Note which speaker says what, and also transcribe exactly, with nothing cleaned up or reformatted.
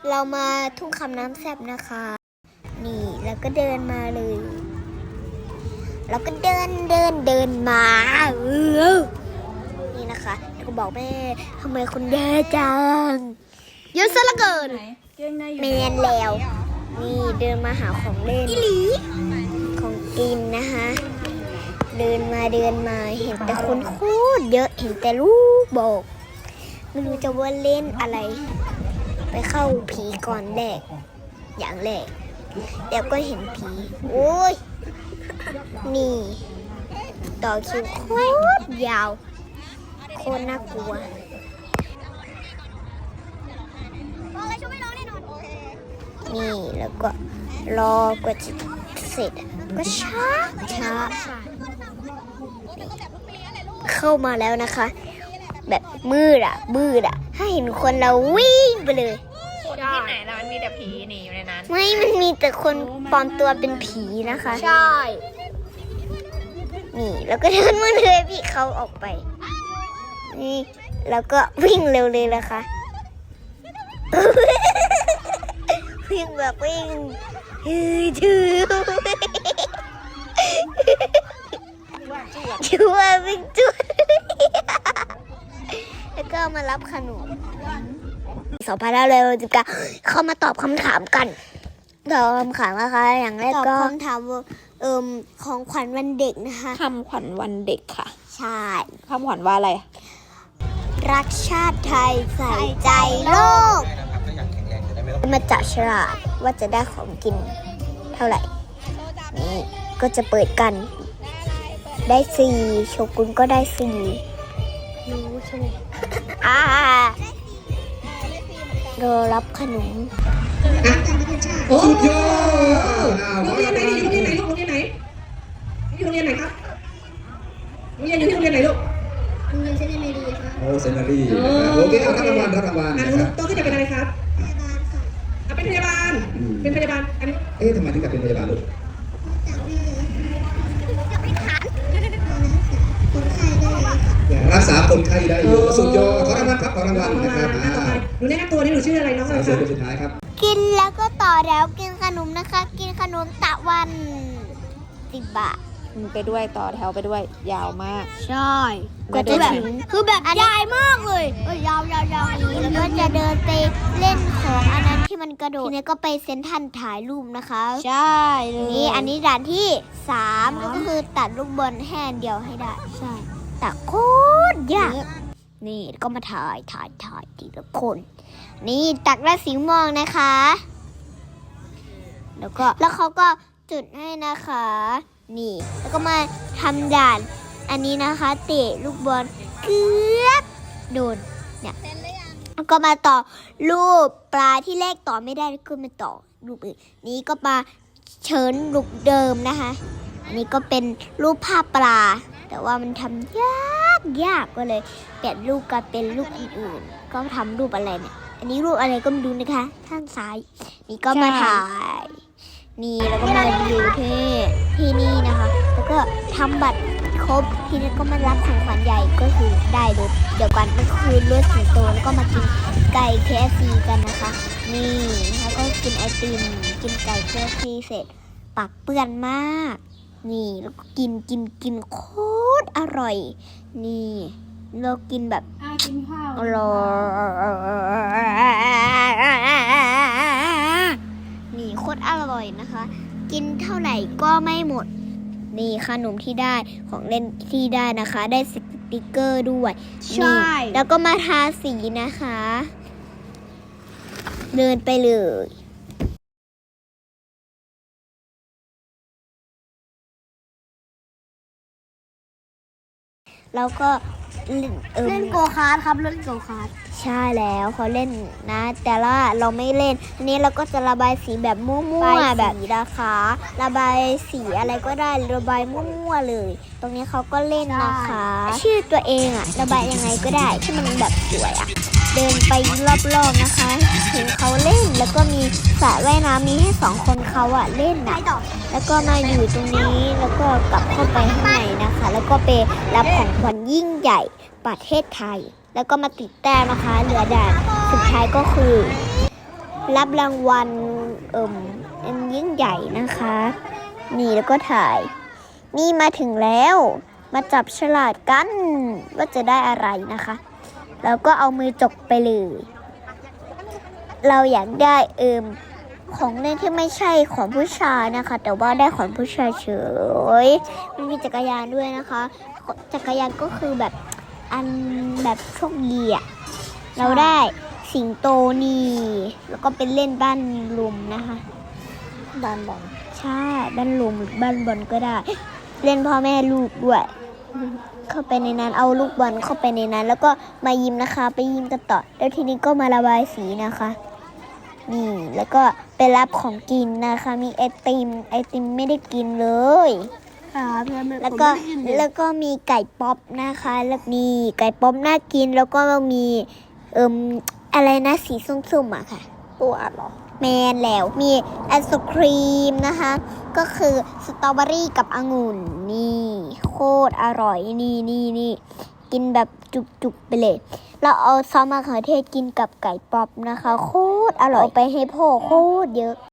Speaker 1: เรามาทุ่งคำน้ำแซ่บนะคะนี่แล้วก็เดินมาเลยแล้วก็เดินเดินเดินมาเออนี่นะคะแล้วก็บอกแม่ทำไมคุณแย่จังเยอะซะเหลือเกินเมนแล้วนี่เดินมาหาของเล่นของกินนะคะเดินมาเดินมาเห็นแต่คนโคตรเยอะเห็นแต่ลูกบอกไม่รู้จะว่าเล่นอะไรไปเข้าผีก่อนแรกอย่างแรกเดี๋ยวก็เห็นผีโอ้ยนี่ต่อคิวโคตรยาวโคตรน่ากลัวนี่แล้วก็รอกว่าจะเสร็จก็ช้าช้าเข้ามาแล้วนะคะแบบมืดอ่ะมืดอ่ะถ้าเห็นคนเราวิ่งไปเลย
Speaker 2: คนที่ไหนล่ะมันมีแต่ผีนี่อยู่ในนั้น
Speaker 1: ไม่มันมีแต่คนปลอมตัวเป็นผีนะคะ
Speaker 2: ใช่
Speaker 1: นี่แล้วก็เดินมาเลยพี่เขาออกไปนี่แล้วก็วิ่งเร็วเลยนะคะวิ่งแบบวิ่งฮือชื่อชื่อว่าวิ่งจุดแล้วก็มารับขนมสองพันห้าร้อยสิบเก้าเข้ามาตอบคำถามกันตอบคำถามนะคะอย่างแรกก็คำถามเอ่มของขวัญวันเด็กนะคะ
Speaker 2: คำขวัญวันเด็กค่ะ
Speaker 1: ใช่
Speaker 2: คำขวัญว่าอะไร
Speaker 1: รักชาติไทยใส่ใจโลกมาจับฉลากว่าจะได้ของกินเท่าไหร่นี่ก็จะเปิดกันได้สี่โชกุนก็ได้สี่รู้ใช่ไหมอ่ารอรับขนม
Speaker 3: สุดยอดโรงเรียนไหนอยู่โรงเรียนไหนลูกโรงเรียนไหนอยู่โรงเรียนไหนครับโรงเรียนอยู่ที่โรงเรียนไหนลูก
Speaker 1: โรงเรียนเซนต์เมรีครับ
Speaker 3: โอ้เซนต์เมรีโอเคเอารับรางวัลรับรางวัลนะครับโตขึ้นจะเป็นอะไรครับพยาบาลค่ะเป็นพยาบาลเป็นพยาบาลอันนี้เอ๊ะทำไมถึงจะเป็นพยาบาลลูกรักษาคนไข้ได้อยู่สุดยอดขอรางวัลครับขอรางวัลนะครับหนูแนะนำตัวนี่หนูชื่ออะไรน้องอะไรครับสุดท้ายครับ
Speaker 1: กินแล้วก็ต่อแล้วกินขนมนะคะกินขนมตะวันสิบบาท
Speaker 2: ไปด้วยต่อแถวไปด้วยยาวมาก
Speaker 1: ใช่ก็จะแบบคือแบบยาวมากเลยเออยาวยาวยาวนี้แล้วก็จะเดินไปเล่นของอันนั้นที่มันกระโดดทีนี้ก็ไปเซ็นทรัลถ่ายรูปนะคะ
Speaker 2: ใช่เลย
Speaker 1: นี่อันนี้ด่านที่สามก็คือตัดลูกบอลแห่เดียวให้ได้ใช่แต่โคตรยากนี่ก็มาถ่ายถ่ายถ่ายทีละคนนี่ตักได้สีม่วงนะคะแล้วก็แล้วเขาก็จุดให้นะคะนี่แล้วก็มาทำด่านอันนี้นะคะเตะลูกบอลเกือบโดนเนี่ยแล้วก็มาต่อรูปปลาที่เลขต่อไม่ได้ก็มาต่อรูปอื่นนี้ก็มาเชิญลูกเดิมนะคะอันนี้ก็เป็นรูปภาพปลาแต่ว่ามันทำยากยากก็เลยเปลี่ยนรูปกลายเป็นรูปอื่นๆก็ทำรูปอะไรเนี่ยอันนี้รูปอะไรก็ไม่รู้นะคะข้างซ้ายนี่ก็มาถ่ายนี่แล้วก็มาดูที่ที่นี่นะคะแล้วก็ทำบัตรครบทีนี้ก็มารับของขวัญใหญ่ก็คือได้รถเดี๋ยวกันก็คือรถสิงโตแล้วก็มากินไก่ เค เอฟ ซี กันนะคะนี่แล้วก็กินไอติมกินไก่ เค เอฟ ซี เสร็จปากเปื้อนมากนี่แล้วก็กินกินกินโคตรอร่อยนี่เรากินแบบ
Speaker 2: กินข้าว
Speaker 1: อร่อยนี่โคตรอร่อยนะคะกินเท่าไหร่ก็ไม่หมดนี่ขนมที่ได้ของเล่นที่ได้นะคะได้สติกเกอร์ด้วยใช่แล้วก็มาทาสีนะคะเดินไปเลยแล้วก็เล่นโกคาร์ทครับเล่นโกคาร์ทใช่แล้วเขาเล่นนะแต่ละเราไม่เล่นอันนี้เราก็จะระบายสีแบบมั่วๆแบบนี้นะคะระบายสีอะไรก็ได้ระบายมั่วๆเลยตรงนี้เขาก็เล่นนะคะชื่อตัวเองอะระบายยังไงก็ได้ที่มันแบบสวยอะเดินไปรอบๆนะคะเห็นเขาเล่นแล้วก็มีสระว่ายน้ำมีให้สองคนเขาอะเล่นนะแล้วก็มาอยู่ตรงนี้แล้วก็กลับเข้าไปข้างในนะคะแล้วก็ไปรับของขวัญยิ่งใหญ่ประเทศไทยแล้วก็มาติดแต้มนะคะเหลือด่านสุดท้ายก็คือรับรางวัลเอิ่มอันยิ่งใหญ่นะคะ นี่แล้วก็ถ่าย นี่มาถึงแล้ว มาจับฉลากกันว่าจะได้อะไรนะคะ แล้วก็เอามือจกไปเลย เราอยากได้เอิ่มของเล่นที่ไม่ใช่ของผู้ชายนะคะ แต่ว่าได้ของผู้ชายเฉยมันมีจักรยานด้วยนะคะ จักรยานก็คือแบบอันแบบโชคดีอะเราได้สิงโตนี่แล้วก็เป็นเล่นบ้านลุมนะคะ
Speaker 2: บ้านบอล
Speaker 1: ใช่บ้านลุมหรือบ้านบอลก็ได้ เล่นพ่อแม่ลูกด้วย เข้าไปในนั้นเอาลูกบอลเข้าไปในนั้น แล้วก็มายิมนะคะ ไปยิมกันต่อแล้วทีนี้ก็มาระบายสีนะคะ นี่แล้วก็ไปรับของกินนะคะ มีไอติมไอติมไม่ได้กินเลย
Speaker 3: ครับแล้ว
Speaker 1: แล้วก็แล้วก็มีไก่ป๊อปนะคะแล้วนี่ไก่ป๊อปน่ากินแล้วก็มีเอิ่มอะไรนะสีส้มๆอะค่ะ
Speaker 2: ปูอัดเหรอ
Speaker 1: แมนแล้วมีไอศครีมนะคะ ก็คือสตรอเบอรี่กับองุ่นนี่โคตรอร่อยนี่นี่นี่กินแบบจุกๆไปเลย เราเอาซอสมะเขือเทศกินกับไก่ป๊อปนะคะ โคตรอร่อยเอาไปให้พ่อโคตรเยอะ